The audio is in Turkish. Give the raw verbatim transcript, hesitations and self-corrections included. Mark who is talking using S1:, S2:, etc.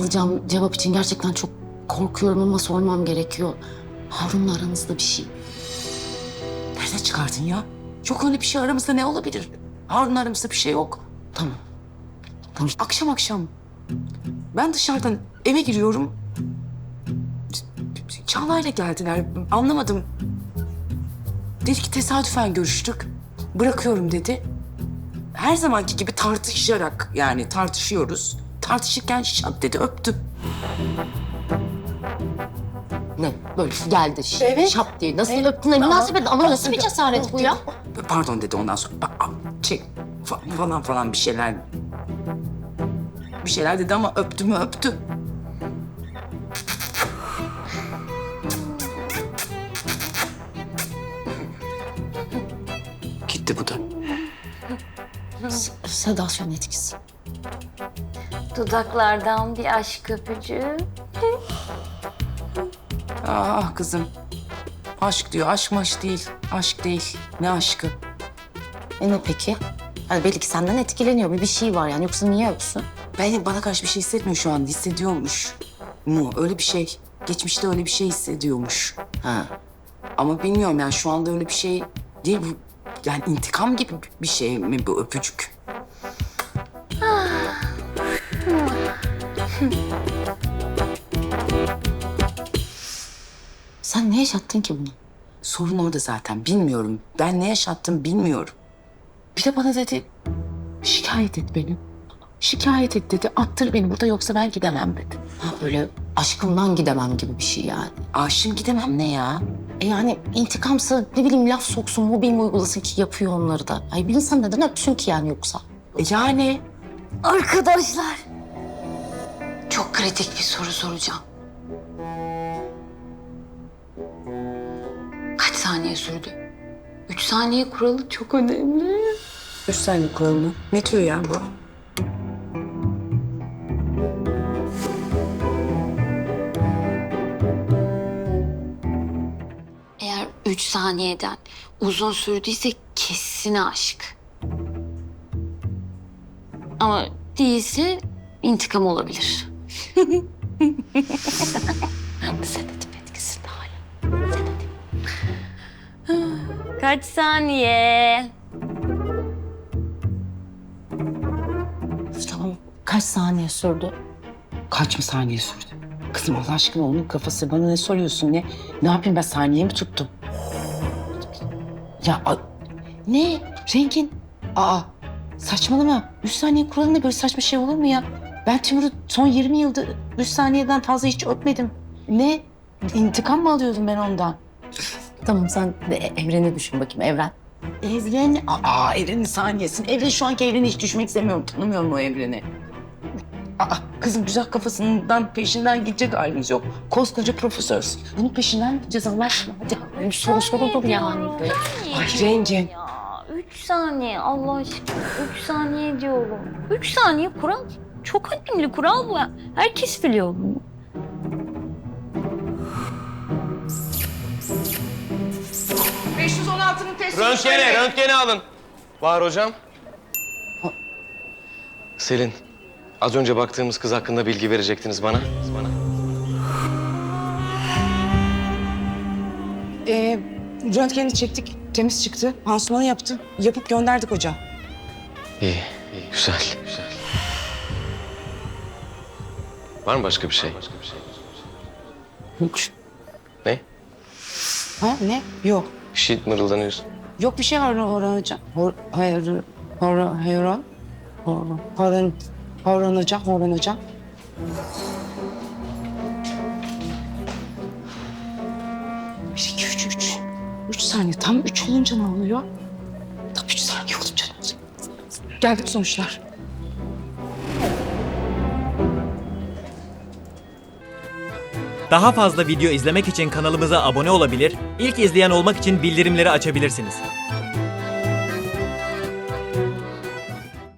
S1: alacağım cevap için gerçekten çok korkuyorum ama sormam gerekiyor. Harun'la aranızda bir şey.
S2: Nereden çıkardın ya? Yok öyle bir şey, aramızda ne olabilir? Harun, aramızda bir şey yok.
S1: Tamam. Tamam.
S2: Akşam akşam ben dışarıdan eve giriyorum. Çağla'yla geldiler. Anlamadım. Dedi ki tesadüfen görüştük. Bırakıyorum dedi. Her zamanki gibi tartışarak, yani tartışıyoruz. Tartışırken şap dedi, öptü.
S1: Ne? Böyle geldi. ş-
S2: Evet.
S1: Şap diye. Nasıl öptün? Ne münasebet ama nasıl bir cesaret bu ya?
S2: Pardon dedi ondan sonra. Ba- a- Şey, fa- falan falan bir şeyler. Bir şeyler dedi ama öptü mü öptü. Gitti bu da.
S1: S- Sedasyon etkisi.
S3: Dudaklardan bir aşk öpücüğü.
S2: Ah kızım. Aşk diyor. Aşk maş değil. Aşk değil. Ne aşkı?
S1: E ne peki? Yani belli ki senden etkileniyor. Bir, bir şey var yani. Yoksa niye öpsün?
S2: Ben bana karşı bir şey hissetmiyor şu an. Hissediyormuş mu? Öyle bir şey. Geçmişte öyle bir şey hissediyormuş.
S1: Ha.
S2: Ama bilmiyorum yani şu anda öyle bir şey değil bu. Yani intikam gibi bir şey mi bu öpücük?
S1: Sen ne yaşattın ki bunu?
S2: Sorun orada zaten. Bilmiyorum. Ben ne yaşattım bilmiyorum. Bir de bana dedi şikayet et beni. Şikayet et dedi. Attır beni burada yoksa ben gidemem dedi.
S1: Ha böyle aşkımdan gidemem gibi bir şey yani.
S2: Aşığım gidemem ne ya?
S1: E yani intikamsa ne bileyim laf soksun, mobbing uygulasın ki yapıyor onları da. Ay bir insan neden öpsün ki yani yoksa?
S2: E yani
S3: Arkadaşlar, çok kritik bir soru soracağım. Kaç saniye sürdü? Üç saniye kuralı çok önemli.
S2: üç saniye kuralını. Ne diyor ya bu?
S3: Eğer üç saniyeden uzun sürdüyse kesin aşk. Ama değilse intikam olabilir. Sedatif etkisinde hala. Sedatif. Kaç saniye?
S1: Tamam kaç saniye sürdü?
S2: Kaç mı saniye sürdü? Kızım Allah aşkına onun kafası. Bana ne soruyorsun ne? Ne yapayım ben, saniye mi tuttum? Ya a- ne? Rengin? Aa saçmalama. Üç saniye kuralında böyle saçma şey olur mu ya? Ben Timur'u son yirmi yıldır üç saniyeden fazla hiç öpmedim. Ne? İntikam mı alıyordum ben ondan?
S1: Tamam sen de evreni düşün bakayım evren.
S2: Evren, aa evrenin saniyesini. Evren, şu anki evreni hiç düşmek istemiyorum. Tanımıyorum o evreni. Aa kızım güzel kafasından peşinden gidecek halimiz yok. Koskoca profesörsün. Bunun peşinden gideceğiz Allah aşkına. Hadi.
S1: Bir soru sorulur yani.
S2: Ay Rengin.
S3: Ya üç saniye Allah aşkına. Üç saniye diyorum. Üç saniye kural. Çok önemli kural bu. Herkes biliyor bunu.
S2: beş yüz on altının testi.
S4: Röntgeni, röntgeni alın. Var hocam. Selin, az önce baktığımız kız hakkında bilgi verecektiniz bana. Bana.
S2: Ee, röntgeni çektik. Temiz çıktı. Pansumanı yaptı. Yapıp gönderdik hoca.
S4: İyi, iyi, güzel, güzel. Var mı başka bir şey? Başka bir şey.
S2: Yok.
S4: Ne?
S2: Ha ne? Yok.
S4: Bir şey mırıldanıyorsun.
S2: Yok bir şey var Orhan hocam. Hor, hayır, Orhan, Orhan, Orhan, Orhan, Orhan hocam, Orhan hocam. Bir, iki, üç, üç. Üç saniye. Tam üç olunca ne oluyor? Tam üç saniye olunca ne oluyor? Geldik sonuçlar.
S5: Daha fazla video izlemek için kanalımıza abone olabilir, ilk izleyen olmak için bildirimleri açabilirsiniz.